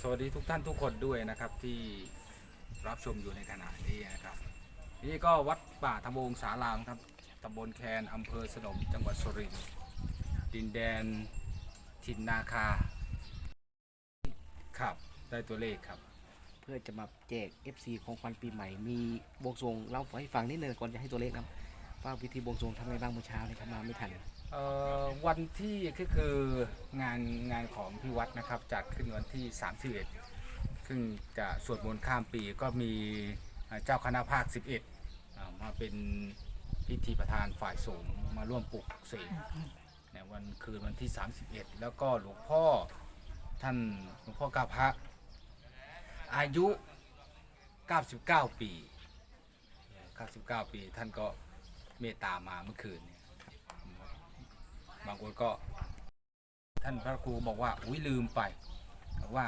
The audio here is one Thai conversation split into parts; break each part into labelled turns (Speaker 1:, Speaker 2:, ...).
Speaker 1: วัสดีทุกท่านทุกคนด้วยนะครับที่รับชมอยู่ในขณะนี้นะครับนี่ก็วัดป่าธรรมวงศารามครับตำบลแคนอำเภอสนมจังหวัดสุรินทร์ดินแดนถิ่นนาคาครับได้ตัวเลขครับ
Speaker 2: เพื่อจะมาแจก FC ของขวัญปีใหม่มีบวงสรวงเล่าให้ฟังนิดนึงก่อนจะให้ตัวเลขครับว่าวิธีบวงสรวงทำไงบ้างเมื่อเช้านี่ครับมาไม่ทัน
Speaker 1: วันที่ก็คืองานของที่วัดนะครับจัดขึ้นวันที่31ซึ่งจะสวดมนต์ข้ามปีก็มีเจ้าคณะภาค11มาเป็นพิธีประธานฝ่ายสงฆ์มาร่วมปลุกเสกในวันคืนวันที่31แล้วก็หลวงพ่อท่านหลวงพ่อกาพระอายุ99 ปี99 ปีท่านก็เมตตามาเมื่อคืนเนี่ยบางคนก็ท่านพระครูบอกว่าอุ้ยลืมไปว่า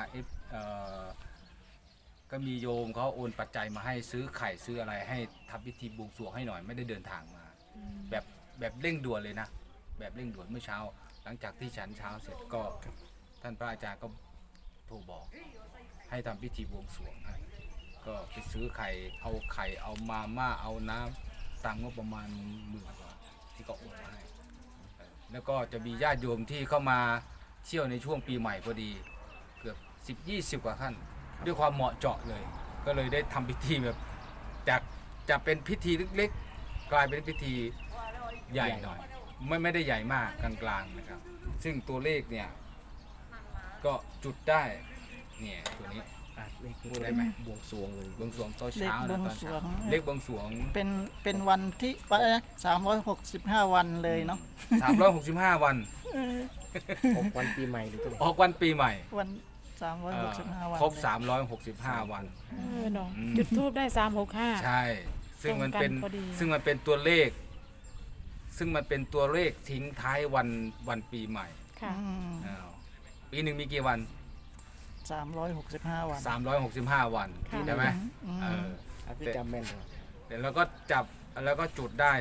Speaker 1: ก็มีโยมเขาโอนปัจจัยมาให้ซื้อไข่ซื้ออะไรให้ทำพิธีบวงสรวงให้หน่อยไม่ได้เดินทางมาแบบเร่งด่วนเลยนะแบบเร่งด่วนเมื่อเช้าหลังจากที่ฉันเช้าเสร็จก็ท่านพระอาจารย์ก็โทรบอกให้ทำพิธีบวงสรวงให้ก็ไปซื้อไข่เอามาม่าเอาน้ำตามงบประมาณ10,000 กว่าที่ก็โอนมาให้แล้วก็จะมีญาติโยมที่เข้ามาเที่ยวในช่วงปีใหม่พอดีเกือบ10-20 กว่าท่านด้วยความเหมาะเจาะเลยก็เลยได้ทำพิธีแบบจากจะเป็นพิธีเล็กๆกลายเป็นพิธีใหญ่หน่อยไม่ได้ใหญ่มากกลางๆนะครับซึ่งตัวเลขเนี่ยก็จุดได้เนี่ยตัวนี้
Speaker 2: เลข
Speaker 1: พูดได้ไหม
Speaker 2: บวงสรวงเลย
Speaker 1: บวงสรวงตอนเช้านะตอนเช้าเลขบวงสรวง
Speaker 3: เป็นวันที่365 วันเลยเนาะ
Speaker 1: 365 วัน
Speaker 2: ออกวันปีใหม่หรือตัว
Speaker 1: ออกวันปีใหม่
Speaker 3: วัน365 วัน
Speaker 1: ครบ365 วัน
Speaker 4: เนาะจุดทูบได้365
Speaker 1: ใช่ซึ่งมันเป็น
Speaker 4: ตรงกันพอดี
Speaker 1: ซึ่งมันเป็นตัวเลข ซึ่งมันเป็นตัวเลขทิ้งท้ายวันปีใหม่
Speaker 4: ค่ะ
Speaker 1: อ้าวปีหนึ่งมีกี่วัน
Speaker 3: 365 วัน
Speaker 1: 365 วัน
Speaker 4: ค่ะ
Speaker 1: ใช่ไหม
Speaker 3: อืม
Speaker 1: เออ
Speaker 2: พี่จำแม่นเหรอ
Speaker 1: เดี๋ยวเราก็จับแล้วก็จุดได้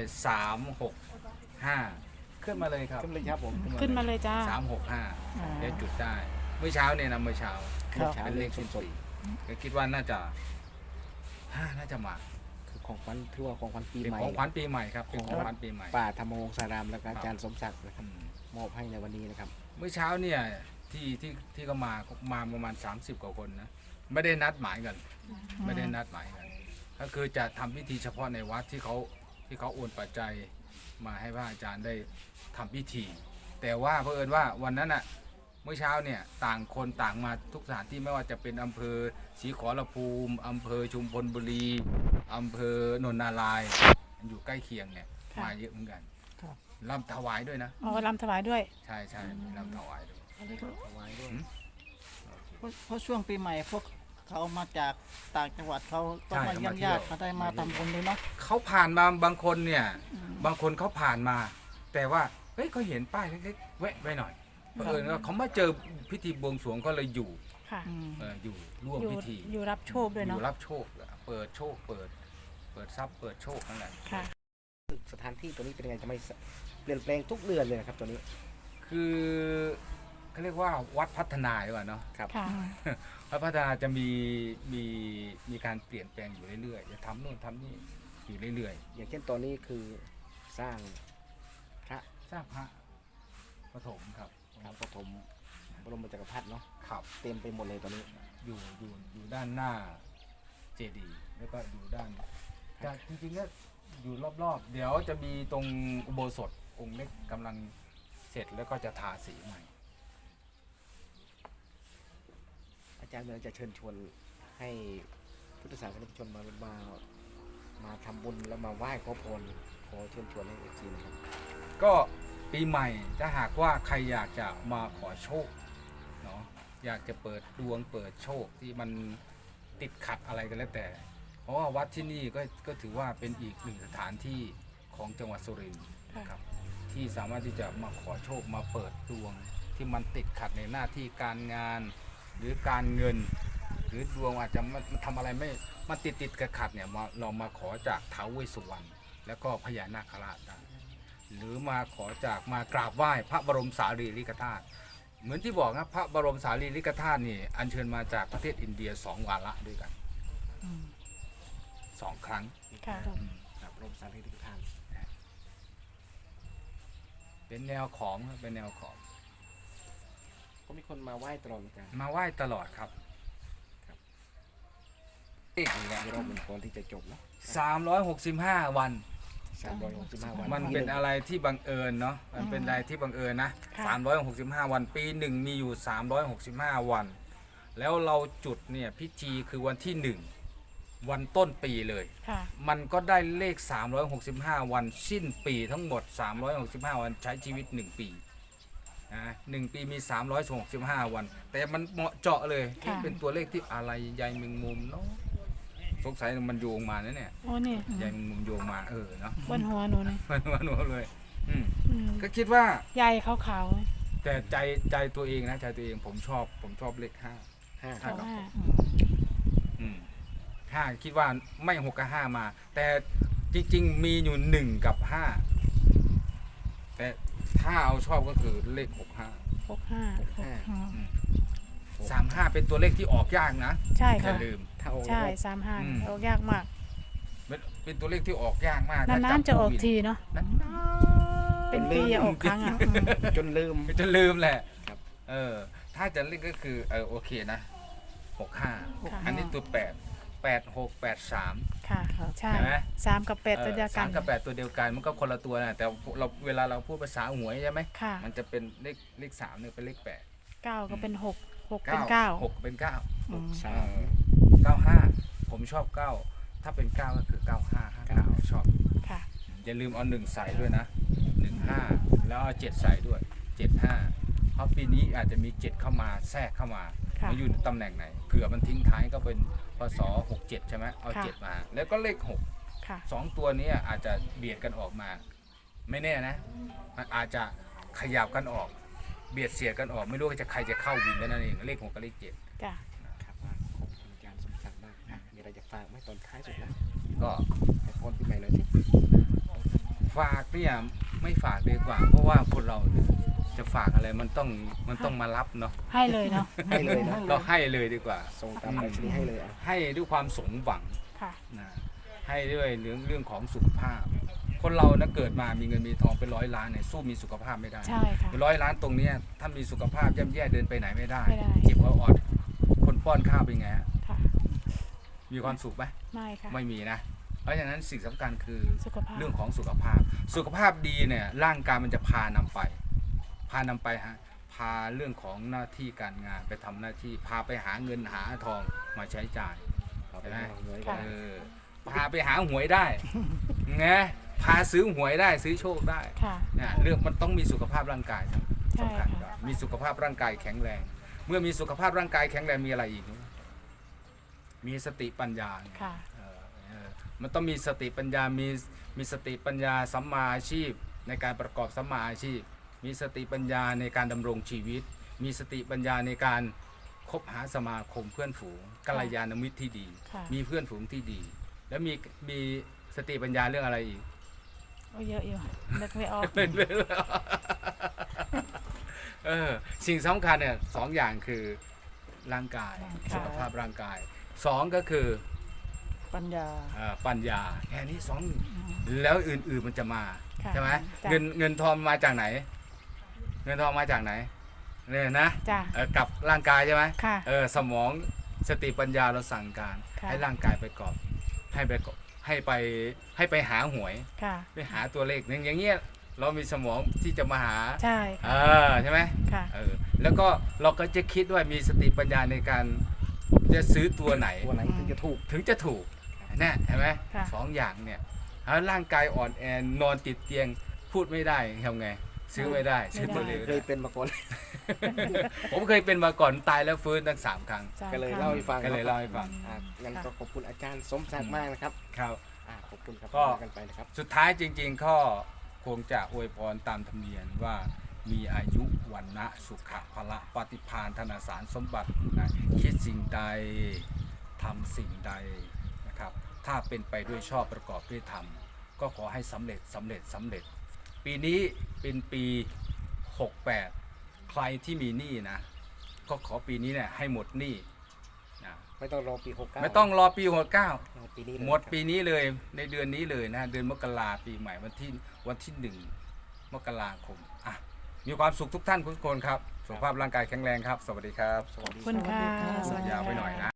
Speaker 1: 365ขึ้นมาเลยครับ
Speaker 2: ขึ้นเลยครับผม
Speaker 4: ขึ้นมาเลยจ้า
Speaker 1: 365เดี๋ยวจุดได้เมื่อเช้าเนี่ยนะเมื่อเช้า
Speaker 3: ครับ
Speaker 1: เป็นเลขสดก็คิดว่าน่าจะมา
Speaker 2: คือของขวัญถือว่าของขวัญปี
Speaker 1: เป็น
Speaker 2: ใหม่
Speaker 1: ของขวัญปีใหม่ครับเป็นของขวัญปีใหม่
Speaker 2: ป่าธรรมวงศารามและอาจารย์สมศักดิ์นะครับมอบให้ในวันนี้นะครับ
Speaker 1: เมื่อเช้าเนี่ยที่ก็มาประมาณ30 กว่าคนนะไม่ได้นัดหมายกันไม่ได้นัดหมายกันก็คือจะทำพิธีเฉพาะในวัดที่เขาโอนปัจจัยมาให้พระอาจารย์ได้ทำพิธี แต่ว่าเผอิญว่าวันนั้นอ่ะเมื่อเช้าเนี่ยต่างคนต่างมาทุกสถานที่ไม่ว่าจะเป็นอำเภอศรีขอรภูมิอำเภอชุมพลบุรีอำเภอนนทนารายณ์อยู่ใกล้เคียงเนี่ย
Speaker 4: ค่ะ
Speaker 1: มาเยอะเหมือนกัน
Speaker 3: ครับ
Speaker 1: รำถวายด้วยนะ
Speaker 4: อ๋อรำถวายด้วย
Speaker 1: ใช่มีรำถวายด้วย
Speaker 2: ถวายด้วย
Speaker 3: เพราะช่วงปีใหม่พวกเขามาจากต่างจังหวัดเขาก็มาเยี่ยมญาติเขาได้มาทำบุญเลยเนาะ
Speaker 1: เขาผ่านมาบางคนเนี่ยบางคนเขาผ่านมา แต่ว่าเฮ้ยเขาเห็นป้ายเล็กๆแวะไว้หน่อยเผอิญว่าเขามาเจอพิธีบวงสรวงก็เลยอยู่
Speaker 4: ค่ะ
Speaker 1: อยู่ร่วม
Speaker 4: อยู่
Speaker 1: พิธี
Speaker 4: อยู่รับโชคด้วย
Speaker 1: อ
Speaker 4: เนาะ
Speaker 1: ยู่รับโชคเปิดโชคเปิดทรัพย์เปิดโชคนั่นแหละ
Speaker 4: ค่ะ
Speaker 2: สถานที่ตัวนี้เป็นยังไงจะไม่เปลี่ยนแปลงทุกเดือนเลยนะครับตัวนี้
Speaker 1: คือเขาเรียกว่าวัดพัฒนาดีกว่าเนาะ
Speaker 2: ครับ
Speaker 4: ค่ะ
Speaker 1: วัดพัฒนาจะมีการเปลี่ยนแปลงอยู่เรื่อยๆจะทำโน่นทำนี่อยู่เรื่อย
Speaker 2: อย่างเช่นตอนนี้คือสร้างพระ
Speaker 1: ๆสร้างพระปฐมครับ
Speaker 2: ครับปฐมบรมจักรพรรดิเนาะ
Speaker 1: ครับ
Speaker 2: เต็มไปหมดเลยตอนนี้
Speaker 1: อยู่ด้านหน้าเจดีย์แล้วก็อยู่ด้านจริงๆก็อยู่รอบๆ เดี๋ยวจะมีตรงอุโบสถองค์เล็กกำลังเสร็จแล้วก็จะทาสีใหม่
Speaker 2: อาจารย์เมืองจะเชิญชวนให้พุทธศาสนิกชนมาทำบุญแล้วมาไหว้ขอพรขอเชิญชวนให้เอฟซีนะครับ
Speaker 1: ก็ปีใหม่ถ้าหากว่าใครอยากจะมาขอโชคเนาะอยากจะเปิดดวงเปิดโชคที่มันติดขัดอะไรกันแล้วแต่ เพราะว่าวัดที่นี่ก็ถือว่าเป็นอีกหนึ่งสถานที่ของจังหวัดสุรินทร์นะครับที่สามารถที่จะมาขอโชคมาเปิดดวงที่มันติดขัดในหน้าที่การงานหรือการเงิน หรือดวงอาจจะมันทำอะไรไม่มันติดขัดเนี่ยเรามาขอจากท้าวเวสสุวรรณแล้วก็พญานาคราชได้หรือมาขอจากมากราบไหว้พระบรมสารีริกธาตุเหมือนที่บอกนะพระบรมสารีริกธาตุนี่อัญเชิญมาจากประเทศอินเดีย2 วาระด้วยกัน
Speaker 3: อืม
Speaker 1: 2 ครั้ง
Speaker 4: ค่ะ
Speaker 2: ครับรมสารที่ทุกท่าน
Speaker 1: เป็นแนวของเป็นแนวของ
Speaker 2: ก็มีคนมาไหว้ตลอดเหมือนกัน
Speaker 1: มาไหว้ตลอดครับ
Speaker 2: นี่แหละรอบมันก่อนที่จะจบเนาะ
Speaker 1: 365 วัน
Speaker 2: 365 วัน
Speaker 1: มันเป็นอะไรที่บังเอิญเนาะมันเป็นอะไรที่บังเอิญนะ
Speaker 4: ค่ะ
Speaker 1: 365 วันปีหนึ่งมีอยู่365 วัน แล้วเราจุดเนี่ยพิธีคือวันที่ 1 วันต้นปีเลย
Speaker 4: ค่ะ มัน
Speaker 1: ก็ได้เลข 365 วันสิ้นปีทั้งหมด 365 วันใช้ชีวิต 1 ปีนะ1 ปีมี 365 วัน แต่มันเหมาะเจาะเลย
Speaker 4: ค่ะ
Speaker 1: เป็นตัวเลขที่อะไรใยแมงมุมเนาะสงสัยมันโยงมานะเนี่ย
Speaker 4: โอ้นี่
Speaker 1: ใยแมงมุมโยงมาเนาะ
Speaker 4: บนหัวหนูนี่
Speaker 1: มันหนูเลยอืม
Speaker 4: อืม
Speaker 1: ก็คิดว่า
Speaker 4: ใยขาวๆเลย
Speaker 1: แต่ใจตัวเองนะใจตัวเองผมชอบเลข 5
Speaker 2: 5
Speaker 4: เพราะว่า
Speaker 1: 5คิดว่าไม่6กับ5มา แต่จริงๆมีอยู่1กับ5แต่ถ้าเอาชอบก็คือเลข 65
Speaker 4: 65
Speaker 3: อืม
Speaker 1: 35 เป็นตัวเลขที่ออกยากนะ
Speaker 4: ใช่
Speaker 1: อย่า
Speaker 4: ค่ะ
Speaker 1: ลืม
Speaker 2: ถ้าโอ้
Speaker 4: ใช่
Speaker 1: อืม
Speaker 4: 35ออกยากมาก
Speaker 1: เป็นตัวเลขที่ออกยากมาก
Speaker 4: นานๆจะออกทีเนาะ
Speaker 1: นาน
Speaker 4: เป็นปีอะออกครั้งอ่ะอืม
Speaker 2: จนลืม
Speaker 1: ๆจะลืมแหละ
Speaker 2: ครับ
Speaker 1: ถ้าจะเล่นก็คือโอเคนะ65
Speaker 4: ค่ะ
Speaker 1: อันนี้ตัว8 6 8 3
Speaker 4: ค่ะ ใช่
Speaker 1: เห็นไหม
Speaker 4: 3 กับ 8 ตัวเดียวกัน
Speaker 1: 3 กับ 8 ตัวเดียวกันมันก็คนละตัวนะแต่เราเวลาเราพูดภาษาหวยใช่ไหม
Speaker 4: ค่ะ
Speaker 1: มันจะเป็นเลข3เนี่ยเป็นเลข8
Speaker 4: 9 ก็เป็น 6 6 เป็น
Speaker 1: 6เป็น9
Speaker 3: อืม
Speaker 1: 95ผมชอบ 9 ถ้าเป็น 9 ก็คือ 95 59ชอบ
Speaker 4: 9 ค่ะ
Speaker 1: อย่าลืมเอา 1 ใส่ด้วยนะ 15 แล้วเอา 7 ใส่ด้วย 75 เพราะปีนี้อาจจะมี 7 เข้ามาแทรกเข้ามา
Speaker 4: ค่ะ
Speaker 1: มาอยู่ในตำแหน่งไหนเผื่อมันทิ้งท้ายก็เป็นพศ67 ใช่ไหมเอา
Speaker 4: ค่ะ
Speaker 1: 7 มา แล้วก็เลข 6
Speaker 4: ค่ะ
Speaker 1: 2 ตัวนี้อาจจะเบียดกันออกมา ไม่แน่นะมันอาจจะขยับกันออก เบียดเสียดกันออก ไม่รู้ว่าจะใครจะเข้าวินกันนั่นเองเลข 6 กับเลข 7
Speaker 4: จ้ะ
Speaker 2: ครับขอบคุณอาจารย์สมศักดิ์มากนะมีอะไรจะฝากไหมตอนท้ายสุดนะ
Speaker 1: ก็
Speaker 2: ให้พรปีใหม่หน่อยสิ
Speaker 1: ฝากเนี่ยไม่ฝากดีกว่า เพราะว่าคนเราเนี่ยจะฝากอะไรมันต้องมารับเนาะ
Speaker 4: ให้เลยเนาะ
Speaker 2: ให้เลยนะ
Speaker 1: เราให้เลยดีกว่า
Speaker 2: ส่งตามไปรษณีย์ให้เลยอ่ะ
Speaker 1: ให้ด้วยความสมหวัง
Speaker 4: ค่ะ
Speaker 1: นะให้ด้วยเรื่องของสุขภาพ คนเรานะเกิดมามีเงินมีทองเป็น100 ล้านเนี่ยสู้มีสุขภาพไม่ได้
Speaker 4: ใช่ค่ะ
Speaker 1: 100 ล้านตรงเนี้ยถ้ามีสุขภาพย่ำแย่เดินไปไหนไม่ได้
Speaker 4: ไม่ได้
Speaker 1: เจ็บเอาออดคนป้อนข้าวเป็นไงฮะ
Speaker 4: ค่ะ
Speaker 1: มีความสุขไหม
Speaker 4: ไม่ค่ะ
Speaker 1: ไม่มีนะ เพราะฉะนั้นสิ่งสำคัญคือ
Speaker 4: สุขภาพ
Speaker 1: เรื่องของสุขภาพ สุขภาพดีเนี่ยร่างกายมันจะพานำไปฮะพาเรื่องของหน้าที่การงานไปทำหน้าที่พาไปหาเงินหาทองมาใช้จ่าย
Speaker 2: เอาไป
Speaker 1: เห็นไหม
Speaker 2: ให้หน่วย
Speaker 4: ค่ะ
Speaker 2: กัน
Speaker 1: พาไปหาหวยได้ ไงพาซื้อหวยได้ซื้อโชคได้
Speaker 4: ค่ะ
Speaker 1: เนี่ยเรื่องมันต้องมีสุขภาพร่างกาย
Speaker 4: ใช่
Speaker 1: สำคัญ
Speaker 4: ค่ะ
Speaker 1: กว่ามีสุขภาพร่างกายแข็งแรง เมื่อมีสุขภาพร่างกายแข็งแรงมีอะไรอีก มีสติปัญญา
Speaker 4: ค่ะ
Speaker 1: มันต้องมีสติปัญญา มีสติปัญญาสัมมาอาชีพในการประกอบสัมมาอาชีพ มีสติปัญญาในการดำรงชีวิต มีสติปัญญาในการคบหาสมาคมเพื่อนฝูงกัลยาณมิตรที่ดี
Speaker 4: ค่ะ
Speaker 1: มีเพื่อนฝูงที่ดี แล้วมีสติปัญญาเรื่องอะไรอีก
Speaker 4: โอ้เยอะอยู่นึกไม่ออก
Speaker 1: สิ่งสำคัญเนี่ย2 อย่างคือร่างกาย
Speaker 4: ร่างกาย
Speaker 1: สุขภาพร่างกาย 2 ก็คือ
Speaker 3: ปัญญา
Speaker 1: ปัญญาแค่นี้2แล้วอื่นๆมันจะมา
Speaker 4: ค่ะ
Speaker 1: ใช่ไหม
Speaker 4: จ้ะ
Speaker 1: เงินทองมาจากไหน เงินทองมาจากไหนเนี่ยนะ
Speaker 4: จ้ะ
Speaker 1: กับร่างกายใช่ไหม
Speaker 4: ค่ะ
Speaker 1: สมองสติปัญญาเราสั่งการ
Speaker 4: ค่ะ
Speaker 1: ให้ร่างกายไปกอบให้ไปหาหวย
Speaker 4: ค่ะ
Speaker 1: ไปหาตัวเลขอย่างเงี้ยเรามีสมองที่จะมาหา
Speaker 4: ใช่
Speaker 1: ใช่ไหม
Speaker 4: ค่ะ
Speaker 1: แล้วก็เราก็จะคิดว่ามีสติปัญญาในการจะซื้อตัวไหน
Speaker 2: ตัวไหนถึงจะถูก
Speaker 1: ถึงจะถูกนะเห็นไหม
Speaker 4: ค่ะ
Speaker 1: 2 อย่างเนี่ยถ้าร่างกายอ่อนแอนอนติดเตียงพูดไม่ได้ทำไง ซื้อไม่ได้ซื้อตัวเลข
Speaker 2: เคยเป็นมาก่อน
Speaker 1: ผมเคยเป็นมาก่อนตายแล้วฟื้นตั้ง3 ครั้ง
Speaker 4: จ้ะ
Speaker 2: ก็เลยเล่าให้ฟัง
Speaker 1: ก็เลยเล่าให้ฟัง
Speaker 2: งั้นก็ขอบคุณอาจารย์สมศักดิ์มากนะครับ
Speaker 1: ครับ
Speaker 2: ขอบคุณครับ
Speaker 1: ก็
Speaker 2: กันไปนะครับ
Speaker 1: สุดท้ายจริงๆก็คงจะอวยพรตามธรรมเนียมว่ามีอายุวันนะสุขะพละปฏิภาณธนาสารสมบัตินะคิดสิ่งใดทำสิ่งใดนะครับถ้าเป็นไปด้วยชอบประกอบด้วยธรรมก็ขอให้สำเร็จ ปีนี้เป็นปี 68 ใครที่มีหนี้นะก็ขอปีนี้เนี่ยให้หมดหนี้นะ
Speaker 2: ไม่ต้องรอปี69
Speaker 1: ไม่ต้องรอปี69
Speaker 2: ปีนี้เลย
Speaker 1: หมดปีนี้เลยในเดือนนี้เลยนะเดือนมกราปีใหม่วันที่1 มกราคมอ่ะมีความสุขทุกท่านทุกคนครับสุขภาพร่างกายแข็งแรงครับ สวัสดีครับ
Speaker 2: สวัสดี
Speaker 4: คุณค่ะ
Speaker 3: สวัสดีครับ
Speaker 4: สวัสดี
Speaker 1: ยาวไป
Speaker 4: ค่ะ
Speaker 1: หน่อยนะ